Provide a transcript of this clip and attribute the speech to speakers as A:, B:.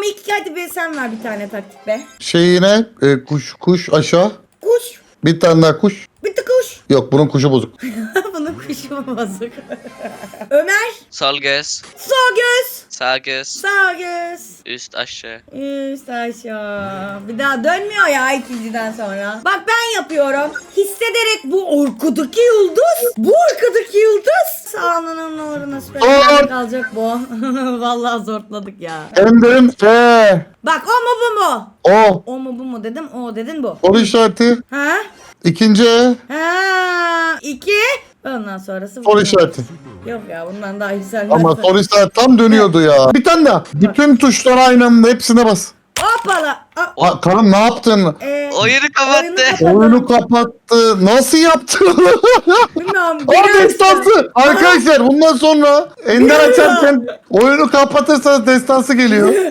A: ilk hadi be sen ver bir tane taktik be.
B: Şeyine kuş aşağı.
A: Kuş.
B: Bir tane daha kuş.
A: Bitti kuş.
B: Yok bunun kuşu bozuk.
A: Bunun kuşu mu bozuk? Ömer.
C: Sol göz.
A: Sol göz.
C: Sağ göz.
A: Sağ göz.
C: Üst aşağı.
A: Üst aşağı. Bir daha dönmüyor ya ikinciden sonra. Bak ben yapıyorum. Hissederek bu arkadaki yıldız. Bu arkadaki yıldız. Sağlığının uğruna süper kalacak bu. Vallahi zortladık ya.
B: Enderim
A: Bak o mu bu mu?
B: O.
A: O mu bu mu dedim. O dedin bu.
B: Soru işareti.
A: Ha?
B: İkinci E.
A: Ha? 2. Ondan sonrası bu.
B: Soru işareti.
A: Yok ya bundan daha güzel.
B: Ama soru işareti tam dönüyordu ya. Bir tane daha. Bütün tuşlara aynı anda hepsine bas.
A: Hoppala.
B: Karım ne yaptın?
C: Oyunu kapattı.
B: Oyunu kapattı. Nasıl yaptı?
A: Bilmiyorum.
B: O destansı. Arkadaşlar bundan sonra Ender açarken oyunu kapatırsanız destansı geliyor.